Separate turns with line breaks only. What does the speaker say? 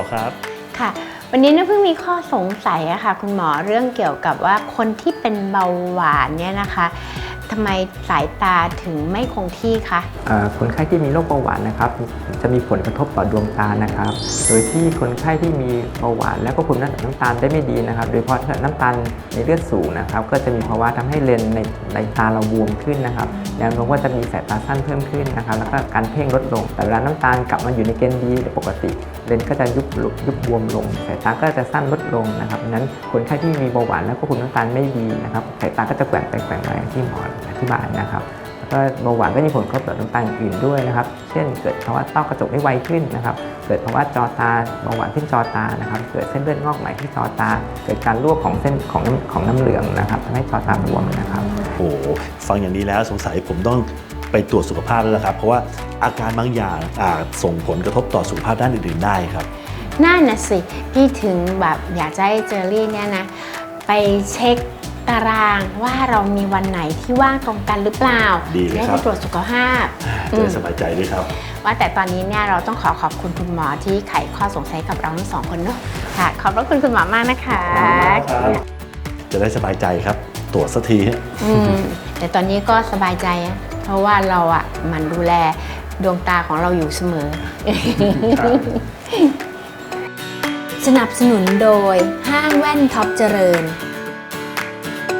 อครับ
ค่ะวันนี้เพิ่งมีข้อสงสัยอะค่ะคุณหมอเรื่องเกี่ยวกับว่าคนที่เป็นเบาหวานเนี่ยนะคะทำไมสายตาถึงไม่คงที่คะ
คนไข้ที่มีโรคเบาหวานนะครับจะมีผลกระทบต่อดวงตานะครับโดยที่คนไข้ที่มีเบาหวานแล้วก็คุมน้ำตาลได้ไม่ดีนะครับโดยเฉพาะน้ำตาลในเลือดสูงนะครับก็จะมีภาวะทำให้เลนส์ในตาเราบวมขึ้นนะครับแนวโน้มว่าจะมีสายตาสั้นเพิ่มขึ้นนะครับแล้วก็การเพ่งลดลงแต่เวลาน้ำตาลกลับมาอยู่ในเกณฑ์ดีปกติเลนส์ก็จะยุบบวมลงสายตาก็จะสั้นลดลงนะครับดังนั้นคนไข้ที่มีเบาหวานแล้วก็คุมน้ำตาลไม่ดีนะครับสายตาก็จะแกว่งไปแกว่งมาที่หมออธิบายนะครับก็เบาหวานก็มีผลกระทบต่อน้ำตาลอื่นด้วยนะครับเช่นเกิดภาวะต้อกระจกได้ไวขึ้นนะครับเกิดภาวะจอตาเบาหวานขึ้นจอตานะครับเกิดเส้นเลือดงอกใหม่ที่จอตาเกิดการรั่วของเส้นของน้ำเหลืองนะครับทำให้จอตาบวมนะครับ
โอ้ฟังอย่างนี้แล้วสงสัยผมต้องไปตรวจสุขภาพแล้วละครับเพราะว่าอาการบางอย่างอาจส่งผลกระทบต่อสุขภาพด้านอื่นๆได้ครับ
นั่นน่ะสิพี่ถึงแบบอยากจะให้เจอรี่เนี่ยนะไปเช็คตารางว่าเรามีวันไหนที่ว่างตรงกันหรือเปล่า
ดีเลยครับ
ได้ไปตรวจสุขภาพ
จะสบายใจด้วยครับ
ว่าแต่ตอนนี้เนี่ยเราต้องขอบคุณคุณหมอที่ไขข้อสงสัยกับเราทั้งสองคนเนาะค่ะขอบพระคุณคุณหมอมากนะคะ
จะได้สบายใจครับตรวจสักที
แต่ตอนนี้ก็สบายใจเพราะว่าเราอ่ะมันดูแลดวงตาของเราอยู่เสมอสนับสนุนโดยห้างแว่นท็อปเจริญ